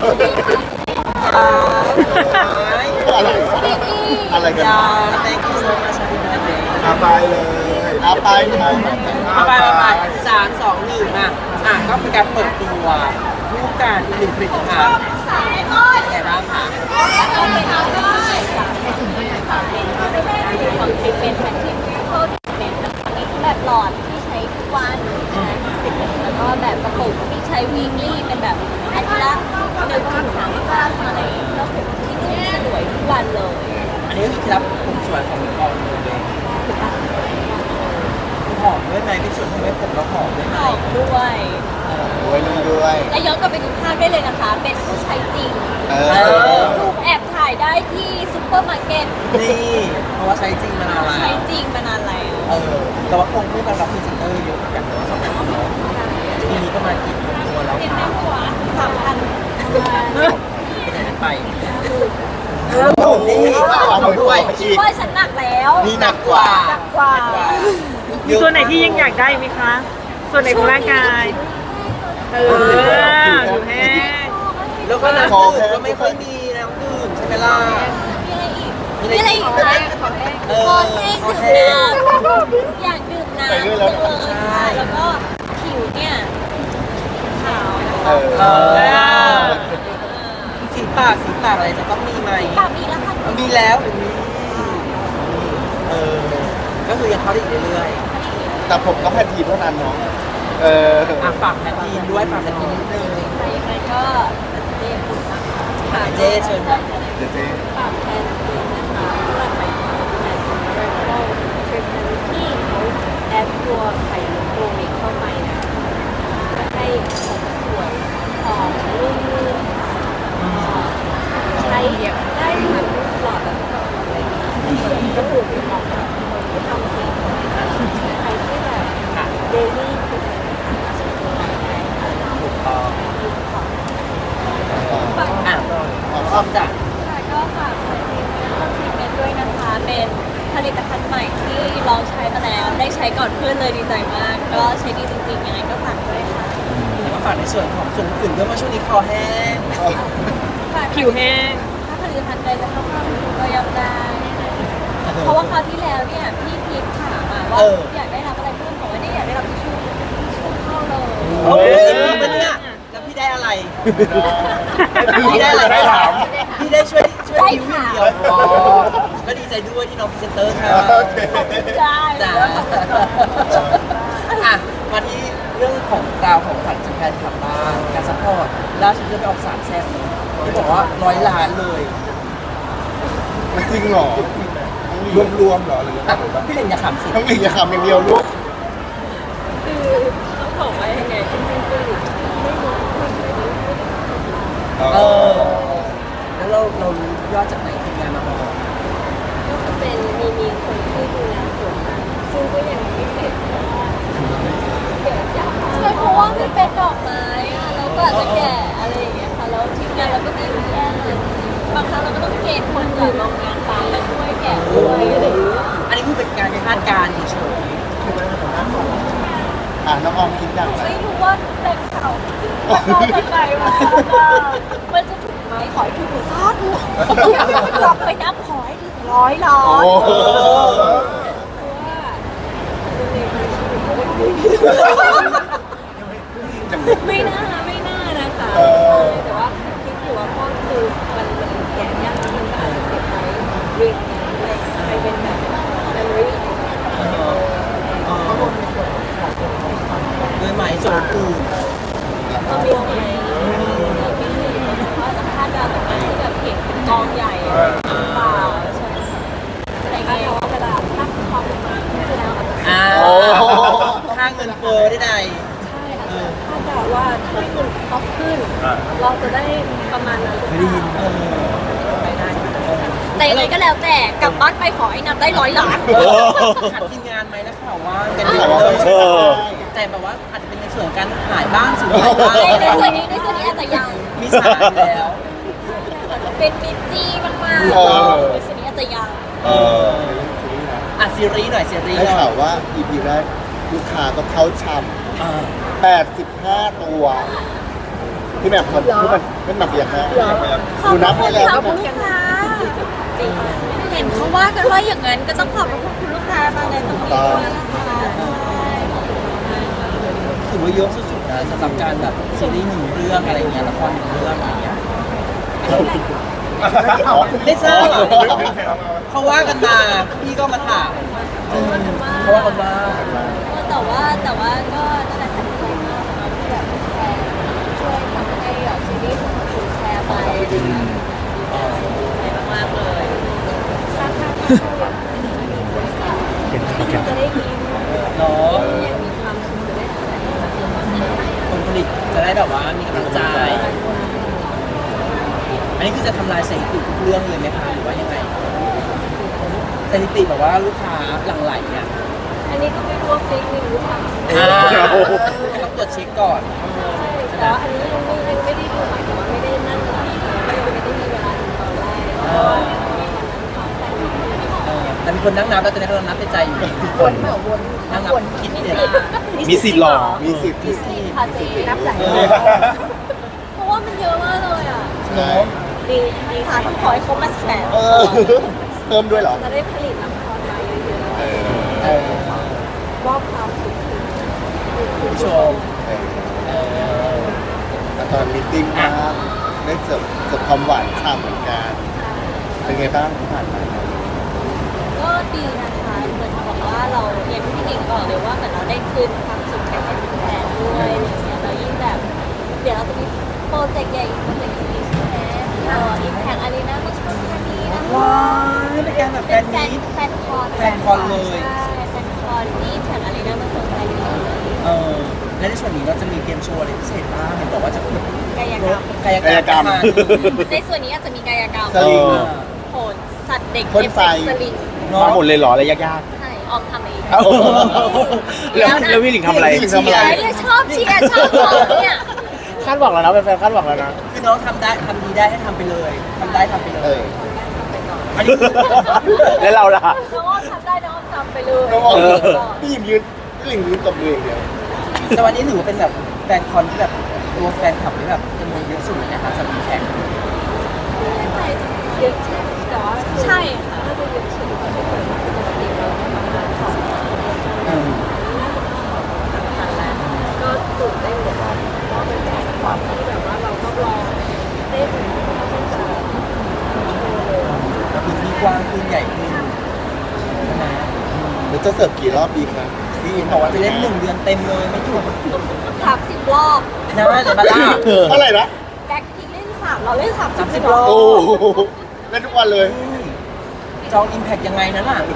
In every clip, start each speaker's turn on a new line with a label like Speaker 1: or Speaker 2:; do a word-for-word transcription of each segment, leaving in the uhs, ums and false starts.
Speaker 1: อะไรอะไรกันอาไปเลยอาไปไป
Speaker 2: อาไปไปสามสองหนึ่งอ่ะอ่ะก็เป็นการเปิดตัวรูปการหนึ่งผลิตภัณฑ์แก่บ้างค่ะ
Speaker 3: ของทริปเป็นแบบที่เขาเป็นแบบหลอดที่ใช้ทุกวันนะแล้วก็แบบกระปุกที่ใช้วีคลี่เป็นแบบอาทิตย์ละหนึ่งถึงสามครั้งอะไรก็ผมที่นุ่มสลวยทุกวันเลย
Speaker 2: อันนี้ก็คือเคล็ดลับผมสวยของกองเลยหอมด้วยไหมเป็นส่วนที่ไม่ผมแล้วหอมด้วยไหม
Speaker 3: หอมด้วย
Speaker 1: ด้วยด้วย
Speaker 3: และย้อนกลับไปดูภาพได้เลยนะคะเป็นผู้ใช้จริง
Speaker 1: เออ
Speaker 3: รูปแอบถ่ายได้ที่ซุปเปอร์มาร์เก็ต
Speaker 2: นี่เพราะว่าใช้จริงมานานแล้ว
Speaker 3: ใช้จริงมานานแล้ว
Speaker 2: เออแต่ว่าคงคู่กันรับพรีเซนเตอร์เยอะกันสองคนเนาะทีนี้ก็มากี่ตัวแล้วคะ
Speaker 3: สามพัน
Speaker 2: เป็นยังไงไปผมนี่เอามาด้วย
Speaker 3: คิดว่าฉันหนักแล้ว
Speaker 1: นี่หนักกว่า
Speaker 3: หนักกว่า
Speaker 4: มีตัวไหนที่ยังอยากได้ไหมคะ ส่วนไหนของร่างกาย เอออยู่แห้ง
Speaker 2: แล้วก็น้ำดื่มก็ไม่ค่อยมีน้ำดื่มใช่ไหมล่ะ
Speaker 3: มีอะไรอีกมีอะไรอีกคะ
Speaker 2: เอ
Speaker 3: ค
Speaker 2: อ
Speaker 3: อแห้ง
Speaker 2: คอ
Speaker 3: ดื่
Speaker 2: แห้
Speaker 3: ม
Speaker 2: ง
Speaker 3: น้ำอยากดื่มน้ำจังเลยค่ะแล้วก็ผิวเนี่ยขาว
Speaker 1: เออ
Speaker 2: เออสีปากสีปากอะไรจะต้องมีไหม
Speaker 3: ปากมีแล้วค่ะ
Speaker 2: มีแล้วเออก็คือยังเข้าได้อีกเรื่อย
Speaker 1: แต่ผมก็แพนทีเท่านั้นเนาะเออ
Speaker 2: ๆอ่ะฝากแพททีนด้วยฝากแพททีนนิดนึง
Speaker 3: ใครยังไงก็เรียกคุณนะคะ
Speaker 2: ค่ะเจ๊เชิญค่ะ
Speaker 1: เดี๋ยวเจ๊
Speaker 3: ฝากแทนคุณนะคะสำหรับใหม่แทนคุณเรนโต้เทรนด์ที่เขาแอดตัวไข่มุกโกมิเข้าไปนะให้ผมสวยหอมนุ่มใช้ได้ทั้งหลอดแล้วก็อะไรก็ถูกเหมาะกับคนที่ทำสีใครที่แบบ
Speaker 2: ค่ะ
Speaker 3: เดลี่คือ
Speaker 2: ถูกต้อง
Speaker 3: ฝาก
Speaker 2: อ่ะพร้อมจ้ะ
Speaker 3: ค่ะก็ฝากใช้ทีมเรื่องทรีทเมนต์ด้วยนะคะ เป็นผลิตภัณฑ์ใหม่ที่ลองใช้มาแล้ว ได้ใช้ก่อนเพื่อนเลยดีใจมาก ก็ใช้ดีจริงๆ ยังไงก็ฝากด้วยค่ะ
Speaker 2: แล้วก็ฝากในส่วนของส่วนอื่นด้วยว่าช่วงนี้คอแห้ง
Speaker 3: ฝาก
Speaker 4: ผิวแห้ง
Speaker 3: ถ้าผลิตภัณฑ์ใดจะเข้ามาก็ยอมได้ เพราะว่าคราวที่แล้วเนี่ยพี่พีทถามมาว่าอยากได้รับอะไรเพิ่มบอกว่าเนี่ยอยากได้รับทิชชู่ทิชชู่เข้าเลย
Speaker 2: โอ้ยจริงปะเนี่ยแล้วพี่ได้อะไรพี่ได้อะไร
Speaker 1: ได้ถาม
Speaker 2: พี่ได้ช่วยช่วยดิวอย่างเดียวอ๋อก็ดีใจด้วยที่น้องพรีเซนเตอร์ค่ะ
Speaker 1: โอเค
Speaker 3: ใช่
Speaker 2: จ้าอ่ะมาที่เรื่องของดาวของขวัญจากแฟนคลับบ้างการซัพพอร์ตล่าสุดจะไปออกสามแซ่บที่บอกว่าร้อยล้านเลย
Speaker 1: จริงเหรอรวมรวมๆเหรอหรือว่า
Speaker 2: พี่เล่นอย่าขำสิ
Speaker 1: ทั้งหนึ่งอย่าคำอย่างเดียวลูก
Speaker 3: คือต้องบอกว่ายังไงจริงๆคือไม่รู้
Speaker 2: เออแล้วเราเรารู้ยอดจากไหนทีมงานมาบอก
Speaker 3: ก็จะเป็นมีมีคนที่ดูแลส่วนนั้นซึ่งก็ยังไม่เสร็จเพราะว่าเดี๋ยวจะใช่เพราะว่ามันเป็นดอกไม้อะแล้วก็อาจจะแก่อะไรอย่างเงี้ยค่ะแล้วทีมงานเราก็มีอยู่แค่นั้นบางครั้งเราก็ต้องเกณฑ์คนจากโรงงานไปมาช่วยแกะด้วยอะไรอย่างเงี้ย
Speaker 2: อันนี้คือเป็นการคาดการณ์เฉย
Speaker 1: อ่ะน้องออมคิดอย่างไร
Speaker 3: ไม่รู้ว่าแต่เขาเราจะไงวะมันจะถึงไหมขอให้ถูกซาถูกกลับไปนับขอให้ถึงร้อยล้าน
Speaker 1: โอ้โห
Speaker 3: ไม่น่าไม่น่านะคะแต่ว่าคิดอยู่ว่าพ่อคือมันมันแก่ยากมันก็อาจจะเก็บไว้เรียงอะไรไปเป็นแบบ memory
Speaker 2: ๆด้วยไหมส่วนอื่น
Speaker 3: ก็มีไหมว่าจะคาดการณ์จากการที่แบบเห็นเป็นกองใหญ่หรือเปล่าใช่แต่ไงเวลาถ้าความเป็นมาคือแล้ว
Speaker 2: อ่าค่าเงินเฟ้อได้ใด
Speaker 3: ใช่อาจจะคาดเดาว่าถ้าคุณท็อปขึ้น เราจะได้ประมาณนั้น
Speaker 2: ไม่ได้ยินเออ
Speaker 3: แต่ยังไงก็แล้วแต่กลับบ้านไปขอให้นับได้ร้อยล้าน
Speaker 2: ขัดทีมงานไหมนะข่าวว่ากันเยอะเลยแต่แบบว่าอาจจะเป็นในส่วนของการหายบ้างสูญหายบ้าง
Speaker 3: ในส่วนนี้ในส่วนนี้อาจจะยัง
Speaker 2: มีสารแล้ว
Speaker 3: เป็นมิจจีมากๆ
Speaker 1: เออ
Speaker 3: ในส่วนนี้อาจจะยัง
Speaker 1: เออ
Speaker 2: อ่ะซีรีส์หน่อยซีรีส์
Speaker 1: ได้
Speaker 2: หน่
Speaker 1: ข่า
Speaker 2: อ
Speaker 1: วย ว่า อี พี แรกลูกค้าก็เข้าช
Speaker 2: อ่า
Speaker 1: ำแปดสิบห้าตัวพี่แหม่มคนพี่มันเป็นหนักอย่างนะ
Speaker 3: ขอบ
Speaker 1: ดูนับ
Speaker 3: คุ
Speaker 1: ให้
Speaker 3: ณ
Speaker 1: แล้ว
Speaker 3: ค่ะ
Speaker 1: พี่
Speaker 3: คุ
Speaker 1: แหม่
Speaker 3: ณ
Speaker 1: ม
Speaker 3: ลูกค้าเห็นเขาว่ากันว่าอย่างนั้นก็ต้องขอบคุณคุณลูกค้ามาในตรงนี้ด้วยนะคะ
Speaker 2: ถือว่าเยอะสุดๆนะสำหรับการแบบซีรีส์หนึ่งเรื่องอะไรเงี้ยละครหนึ่งเรื่องอะไรเงี้ยไม่ทราบเขาว่ากันมาพี่ก็มาถามเขาว่ากันว่า
Speaker 3: แต่ว่าแต่ว่าก็นั่นแหละค่ะดีใจมากนะคะที่แบบแชร์ช่วยทำให้แบบซีรีส์ของคุณแชร์ไปอะไรอย่างเงี้ยดีใจมากๆเลยสร้างภาพที่เราอยากจะได้ยิน
Speaker 2: เนาะ
Speaker 3: อยากมีความสุขจะได้แสดงแบบนี้
Speaker 2: คนผลิตจะได้แบบว่ามีกำลังใจ อันนี้คือจะทำลายสถิติทุกเรื่องเลยไหมคะหรือว่ายังไงสถิติแบบว่าลูกค้าหลั่งไหลเนี่ย
Speaker 3: อันนี้ก็ไม่รู้ว่าเฟกนิวหรือเปล่า
Speaker 2: อ่าต้องตรวจเช็คก่อน
Speaker 3: แต่ว่าอันนี้ยังไม่ยังไม่ได้ดูหมายถึงว่าไม่ได้นั่งหลับไม่ได้มีเวลาดูตอนแรก
Speaker 2: เออเออแต่มีคนนั่งนับแล้วตอนนี้เขานับในใจอยู่คนนั่งนับคิดเนี่ย
Speaker 1: มีสิทธิ์หรอมีสิทธิ์
Speaker 3: มีสี่ค่ะเจ๊นับหลายเพราะว่ามันเยอะมากเลยอ่ะ
Speaker 1: ใช่
Speaker 3: ดีดีค่ะต้องขอให้ครบมาแสน
Speaker 1: เออเพิ่มด้วยเหรอ
Speaker 3: จะได้ผลิตละครมาเยอะ
Speaker 1: เออ
Speaker 2: เออ
Speaker 3: ๆมอบความสุขถึงคุณ
Speaker 2: ผู้
Speaker 3: ผู้
Speaker 2: ช
Speaker 3: ช
Speaker 2: ม
Speaker 3: ม
Speaker 1: เออ
Speaker 2: เออ
Speaker 1: แล้วตอนมีตติ้งมาได้เสิร์ฟเสิร์ฟความหวานฉ่ำเหมือนกันเป็นไงบ้างที่ผ่านมา
Speaker 3: ก็ดีนะคะเหมือนกับว่าเราอย่างที่พี่หนิงบอกเลยว่าเหมือนเราได้คืนความสุขให้กับแฟนด้วยอะไรอย่างเงี้ยเรายิ่งแบบ เดี๋ยวเราจะมีโปรเจกต์ใหญ่อีกโปรเจกต์หนึงใช่ไหมเราอิมแพคอารีนาเมื่อช่วงเดือนนี้นะคะ
Speaker 2: ว้ายเป็นการแบบแฟ
Speaker 3: เป็น
Speaker 2: น
Speaker 3: แฟน
Speaker 2: มีต
Speaker 3: แฟนคอน
Speaker 2: แฟนคอนเลย
Speaker 3: ใช่แฟนคอนที่อิมแพคอารีนาเมื่อช่วงเดือนนี้
Speaker 2: เออและในส่วนนี้เราจะมีเกมโชว์อะไรพิเศษบ้างเห็นบอกว่าจะฝึก
Speaker 3: กายกรรม
Speaker 2: กายกรรม
Speaker 3: ในส่วนนี้อาจจะมีกายกรรม
Speaker 1: สลิง
Speaker 3: โหนสัตว์เด็ก
Speaker 1: พ่นไฟ
Speaker 3: เอฟเฟกต์สลิง
Speaker 5: มาหมดเลยเหรออะไรยาก
Speaker 3: ใช่ออมทำเอง
Speaker 5: ๆเอ้าแล้วแล้วพี่หลิงทำอะไร
Speaker 1: พี่หลิงทำอะไร
Speaker 3: เนี่ยชอบเชียร์ชอบบอกเนี่ย
Speaker 5: คาดหวังแล้วนะเป็นแฟนคาดหวังแล้วนะ
Speaker 2: คือน้องทำได้ทำดีได้ให้ทำไปเลยทำได้ทำไปเล
Speaker 1: เอย อ
Speaker 2: อันนี้คือ
Speaker 5: แล้วเราล่ะ
Speaker 3: น้องอ้อมทำได้น้องอ้อมทำไปเลย
Speaker 1: น้องออม
Speaker 5: เออ
Speaker 1: พี่หยิมยืนพี่หลิงยืนตบมืออย่างเดียว
Speaker 2: แต่วันนี้ถือว่าเป็นแบบแฟนคอนที่แบบตัวแฟนคลับที่แบบจำนวนเยอะสุดเลยนะคะสำหรับแขก
Speaker 3: ไม่แน่ใจเยอะใช่แต่ว่าใช่ค่ะน่าจะเยอะสุดที่เคยมาปกติเราประมาณสองพันแล้วก็ตื่นเต้นเหมือนกันก็เป็นแฟนคลับที่แบบว่าเราก็รอเต้นที่จะ
Speaker 2: พื้นที่กว้างขึ้นใหญ่ขึ้นนะ
Speaker 1: เดี๋ยวจะเสิร์ฟกี่รอบดีครับพี่หยิม
Speaker 2: บอกว่าจะเล่นหนึ่งเดือนเต็มเลยไม่หยุด
Speaker 3: สามสิบรอบ
Speaker 2: นะเดี๋ยวมาล่า
Speaker 1: เท่าไหร่นะ
Speaker 3: แบ็คทีเล่นสามเราเล่นสาม
Speaker 2: สามสิ
Speaker 3: สิ
Speaker 2: บบ ร
Speaker 3: ร
Speaker 2: อ
Speaker 3: อ
Speaker 2: บบ
Speaker 1: โอ้โหเล่นทุกวันเลย
Speaker 2: จองอิมแพคยังไงนั้นอ่ะ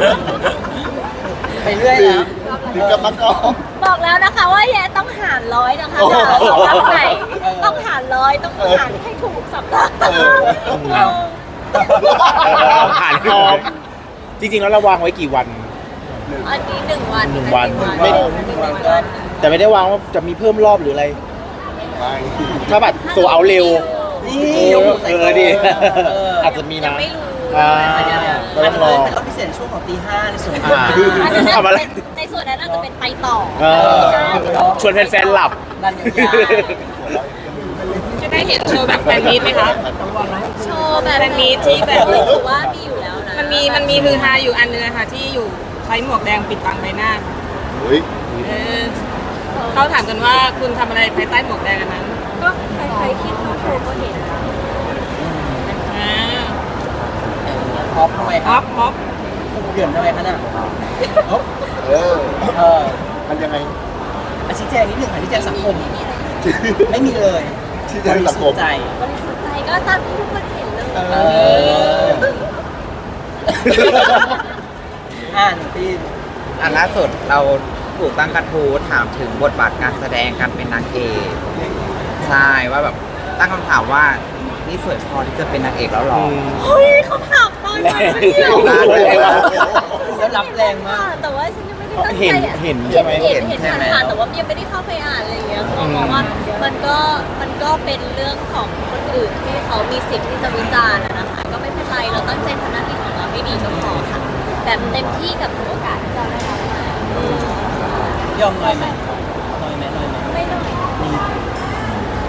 Speaker 2: ไปเรื่อยนะ
Speaker 1: ถึงกับมักออก
Speaker 3: บอกแล้วนะคะว่าแย่ต้องหารร้อยนะคะ
Speaker 1: โอ้โห
Speaker 3: จะเอาสำนักไหนต้องหารร้อยต้องหารให้ถูกสำนัก
Speaker 1: เออ
Speaker 2: เอา
Speaker 5: ผ่านพร้อมจริงๆแล้วเราวางไว้กี่วัน
Speaker 3: อันนี้หนึ่งวัน
Speaker 5: หนึ่งวัน
Speaker 3: ไม่
Speaker 5: ไม่
Speaker 3: หนึ่งวันก็
Speaker 5: แต่ไม่ได้วางว่าจะมีเพิ่มรอบหรืออะไร
Speaker 1: ไป
Speaker 5: ถ้าบัตรโซเอาเร็ว
Speaker 2: นี่
Speaker 5: เออย
Speaker 2: กหูใส่
Speaker 5: เออดิ
Speaker 2: เออ
Speaker 5: อาจจะมี
Speaker 3: ยัง
Speaker 5: นะ
Speaker 3: ไม่รู้
Speaker 5: อ่า
Speaker 2: อาจจะ
Speaker 5: ก็ต้องรอ
Speaker 2: เป็นรอบพิเศษช่วงของตีห้าในส่วนของ
Speaker 5: อ่า
Speaker 3: อันนั้น
Speaker 5: ทำอะไร
Speaker 3: เป็นในส่วนนั้นน่าจะเป็นไปต่อ
Speaker 5: เออชวนแฟนๆหลับ
Speaker 2: ดันยาว
Speaker 4: จะได้เห็นโชว์แบบแฟนมีตไหมคะ
Speaker 3: โชว์แบบ
Speaker 4: แฟนมีตที่แบบ
Speaker 3: รู้สึกว่ามีอยู่แล้วนะ
Speaker 4: มันมีมันมีฮือฮาอยู่อันนึงนะคะที่อยู่ใช้หมวกแดงปิดบังใบหน้า
Speaker 1: เฮ้ย
Speaker 4: เออเขาถามกันว่าคุณทำอะไรภายใต้หมวกแดงอันนั้น
Speaker 3: ก็ใครๆคิดเข้าโชว์ก็เห็นนะ
Speaker 4: อ่า
Speaker 2: ๆฮอปทำไมค
Speaker 4: ฮ
Speaker 2: รั
Speaker 4: อบ ปฮอป
Speaker 2: เดือนทำไมคะน่ะฮอป
Speaker 1: เออ
Speaker 2: เออ
Speaker 1: มันยังไง
Speaker 2: อาชี้แจงนิดหนึ่งค่ะชี้แจงสังคม ไม่มีเลย
Speaker 1: ที่จะสังคม
Speaker 2: ใจ
Speaker 3: บริสุทธิ์ใจก็ตามที่ทุกคนเห็นเลย
Speaker 2: เอออ่านปี
Speaker 6: อันล่าสุดเราถูกตั้งกระทู้ถามถึงบทบาทการแสดงการเป็นนางเอกใช่ว่าแบบตั้งคำถามว่านี่สวยพอที่จะเป็นนางเอกแล้วหรอ
Speaker 3: เฮ้ยเขาถามตอนนั้น
Speaker 5: แรง
Speaker 3: เนี่ย
Speaker 2: แล้วรับแรงมาก
Speaker 3: แต่ว่าฉันยังไม่ได้ตั้งใจ
Speaker 5: เห็น
Speaker 3: อ่ะ
Speaker 5: เห็นใช่ไหม
Speaker 3: เห็น
Speaker 6: เห็
Speaker 3: เห็น
Speaker 6: นใช่ไหม
Speaker 3: ผ่านๆแต่ว่ายังไม่ได้เข้าไปอ่านอะไรอย่างเงี้ยเขาบอกว่ามันก็มันก็เป็นเรื่องของคนอื่นที่เขามีสิทธิ์ที่จะวิจารณ์อะนะคะก็ไม่เป็นไรเราตั้งใจทำหน้าที่ของเราให้ดีก็พอค่ะแบบเต็มที่กับทุกโอกาสที่เราได้รับมาย
Speaker 2: อมน้อยไหมน้อยไหมน้อยไหม
Speaker 3: ไม่น้อย
Speaker 2: มี
Speaker 6: ก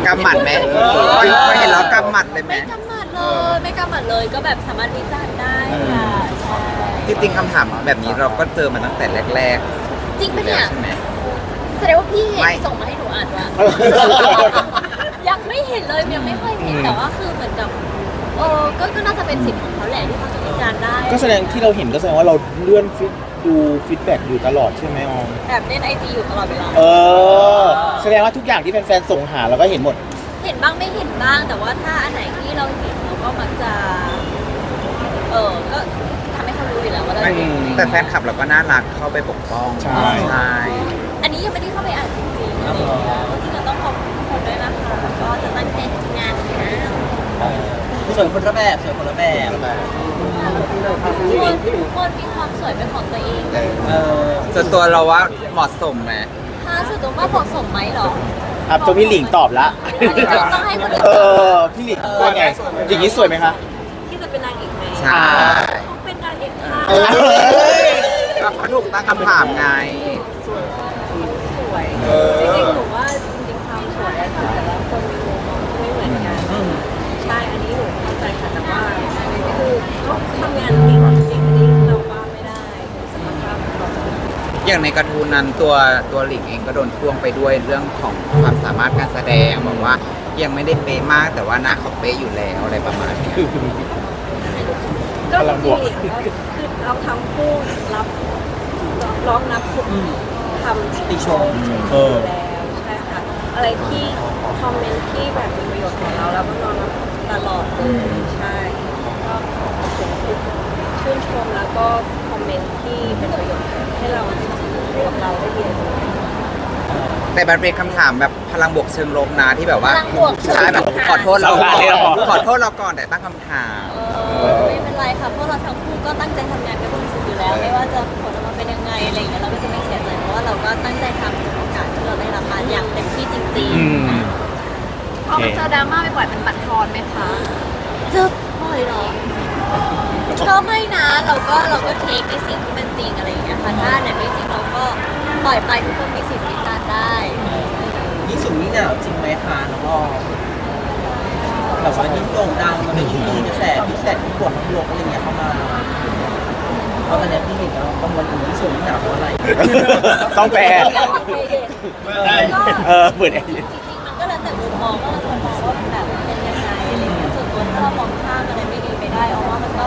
Speaker 6: กำหมัดไหมพอพอเห็นแล้วกำหมัดเลยไหม
Speaker 3: ไม่กำหมัดเลยไม่กำหมัดเลยก็แบบสามารถวิจารณ์ได้ค่ะใช่
Speaker 6: จริงๆคำถามแบบนี้เราก็เจอมาตั้งแต่แรก
Speaker 3: จริง
Speaker 6: ๆ
Speaker 3: ปะ
Speaker 6: แล้
Speaker 3: เนี่
Speaker 6: วย ใช่ไหม
Speaker 3: แสดงว่าพี่เห็น
Speaker 6: ไม่
Speaker 3: ส่งมาให้หนูอ่านว่า ยังไม่เห็นเลยยังไม่เคยเห็นแต่ว่าคือเหมือนกับเออก็ก็น่าจะเป็นสิทธิ์ของเขาแหละที่เขาจะวิจารณ์ได้
Speaker 5: ก็แสดงที่เราเห็นก็แสดงว่าเราเลื่อนฟีดดูฟีดแบ็กอยู่ตลอดใช่ไหมออม
Speaker 3: แอบเล่นไอจีอยู่ตลอดเวลา
Speaker 5: เออ แสดงว่าทุกอย่างที่แฟนๆส่งหาเราก็เห็นหมด
Speaker 3: เห็นบ้างไม่เห็นบ้างแต่ว่าถ้าอันไหนที่เราเห็นเราก็มักจะ เออก็ทำให้เขารู้อยู่แล้วว่าเรา
Speaker 6: แต่
Speaker 3: เห็น
Speaker 6: แต่แฟนคลับเราก็น่ารักเข้าไปปกป้อง
Speaker 5: ใช่
Speaker 6: ใช่
Speaker 3: อันนี้ยังไม่ได้เข้าไปอ่านจริงๆอะไรอย่างเงี้ยจริงๆเราต้องขอบคุณทุกคนด้วยนะคะก็จะตั้งใจทำงานนะ
Speaker 2: สวยคนละแบบสวยคนละแบบ
Speaker 3: ทุกคนทุกคนมีความสวยเป็นของตัวเอง
Speaker 2: เออ
Speaker 6: ส่วนตัวเราว่าเหมาะสมไหม
Speaker 3: ถ้าสุดตัวว่าเหมาะสมไหมเหรอ
Speaker 5: อ่ะตัวพี่หลิงตอบละ
Speaker 3: ต้องให้คนอื่น
Speaker 5: เออ พี่หลิงว่าไง อย่างนี้สวยไหมคะ
Speaker 3: ที่จะเป็นนางเอกไหม
Speaker 6: ใช่
Speaker 3: เขาเป็นนางเอกค่ะ
Speaker 5: เออ
Speaker 6: ก็เขาถูกตั้งคำถามไง
Speaker 3: สวยจริงๆหนูว่าจริงๆความสวยอะค่ะแต่ละคนมีมุมมองที่ไม่เหมือนกันใช่อันนี้หนูเข้าใจค่ะแต่ว่าคือเขาทำงานเก่งจริงๆอันนี้เราว่าไม่ได้สมรรถภาพของเขา
Speaker 6: อย่างในการ์ตูนนั้นตัวตัวหลิงเองก็โดนพ่วงไปด้วยเรื่องของความสามารถการแสดงบอกว่ายังไม่ได้เป๊ะมากแต่ว่าหน้าเขาเป๊ะอยู่แล้วอะไรประมาณเนี้ย
Speaker 3: ก็จริงๆคือเราทำคู่รับร้องนับทุกทำ
Speaker 2: ติชม
Speaker 5: เออ
Speaker 3: แล้วใช่ค่ะอะไรที่คอมเมนต์ที่แบบมีประโยชน์ของเราแล้วก็นอนรับตลอดเลยใช่ก็ขอบคุณทุกชื่นชมแล้วก็คอมเมนต์ที่เป็นประโยชน์ให้เรากับเราได้เรียนรู้
Speaker 6: แต่มันเป็นคำถามแบบพลังบวกเชิงลบนะที่แบบว่า
Speaker 3: พลังบวกเชิงลบ
Speaker 6: ใช่แบบขอโทษเราก่อน
Speaker 5: ใช่เหรอ
Speaker 6: ขอโทษเราก่อนแต่ตั้งคำถาม
Speaker 3: เออไม่เป็นไรค่ะเพราะเราทั้งคู่ก็ตั้งใจทำงานกันสุดๆอยู่แล้ว ไม่ว่าจะผลออกมาเป็นยังไงอะไรอย่างเงี้ยเราก็จะไม่เสียใจเพราะว่าเราก็ตั้งใจทำทุกโอกาสที่เราได้รับมาอย่างเต็มที่จริง
Speaker 5: อืม
Speaker 3: ๆ
Speaker 5: พอมันเจอดราม่า
Speaker 3: บ่อยๆมันบั่นทอนไหมคะเจอบ่อยเหรอก็ไม่นะเราก็เราก็เทคในสิ่งที่มันจริงอะไรอย่างเงี้ยค่ะถ้าไหนไม่จริงเราก็ปล่อยไปทุกคนมีสิทธิ์วิจารณ์ได้
Speaker 2: ยิ่งสูงยิ่งหนาวจริงไหมคะน้องออมแบบว่ายิ่งโด่งดังมันเป็นยิ่งมีกระแสฟีดแบ็กที่บวกทั้งบวกอะไรเงี้ยเข้ามาเพราะตอนนี้พี่เห็นแล้วกังวลอยู่ยิ่งสูงยิ่งหนาวเพราะอะไร
Speaker 5: ต้องแปล เออเปิดแอร์
Speaker 3: จริงๆมันก็แล้วแต่มุมมองว่าเราจะมองว่ามันแบบเป็นยังไงอะไรอย่างเงี้ยส่วนตัวถ้าเรามองข้ามอะไรไม่ดีไปได้เอาว่ามันก็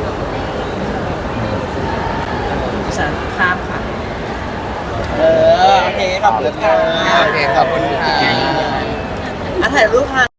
Speaker 2: ดิฉันข้ามค่ะ เออ โอเค ขอบคุณค่ะ
Speaker 6: โอเคขอบคุณค่ะ
Speaker 2: อ่ะถ่ายรูปค่ะ